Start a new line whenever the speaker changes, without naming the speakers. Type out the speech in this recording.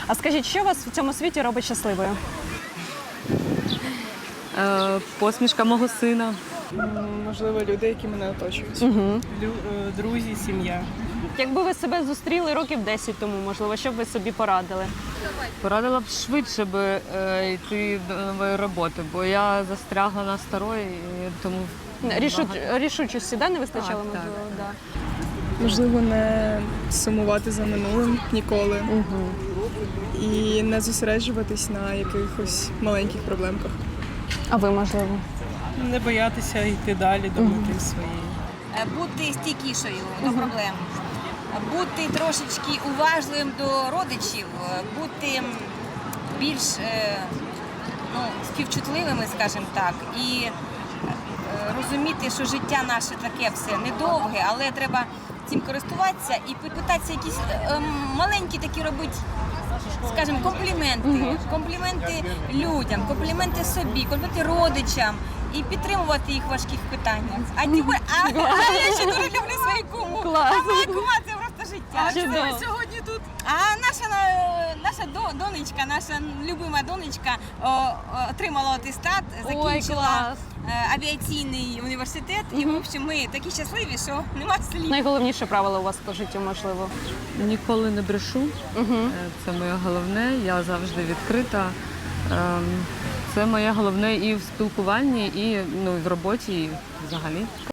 А скажіть, що вас в цьому світі робить щасливою?
Посмішка мого сина.
Можливо, люди, які мене оточують. Друзі, сім'я.
Якби ви себе зустріли років 10 тому, можливо, що б ви собі порадили?
Порадила б швидше йти до нової роботи, бо я застрягла на старої, і тому
Рішучості, да, не вистачало,
Так,
можливо?
так.
Да.
Можливо, не сумувати за минулим ніколи. І не зосереджуватись на якихось маленьких проблемках.
А ви, можливо?
Не боятися йти далі до мети своєї.
Бути стійкішою до проблем, бути трошечки уважливим до родичів, бути більш співчутливими, скажімо так, і розуміти, що життя наше таке все недовге, але треба цим користуватися і питатися якісь маленькі такі робити, скажімо, компліменти людям, компліменти собі, компліменти родичам. І підтримувати їх в важких питаннях. А я ще дуже люблю свою куму.
Клас.
А моя кума це просто життя.
Чудово.
Сьогодні тут. А наша донечка, наша любима донечка отримала атестат, закінчила авіаційний університет. І, в общем, ми такі щасливі, що нема слів.
Найголовніше правило у вас по життю, можливо?
ніколи не брешу. Це моє головне, я завжди відкрита. Це моє головне і в спілкуванні, і в роботі, і взагалі.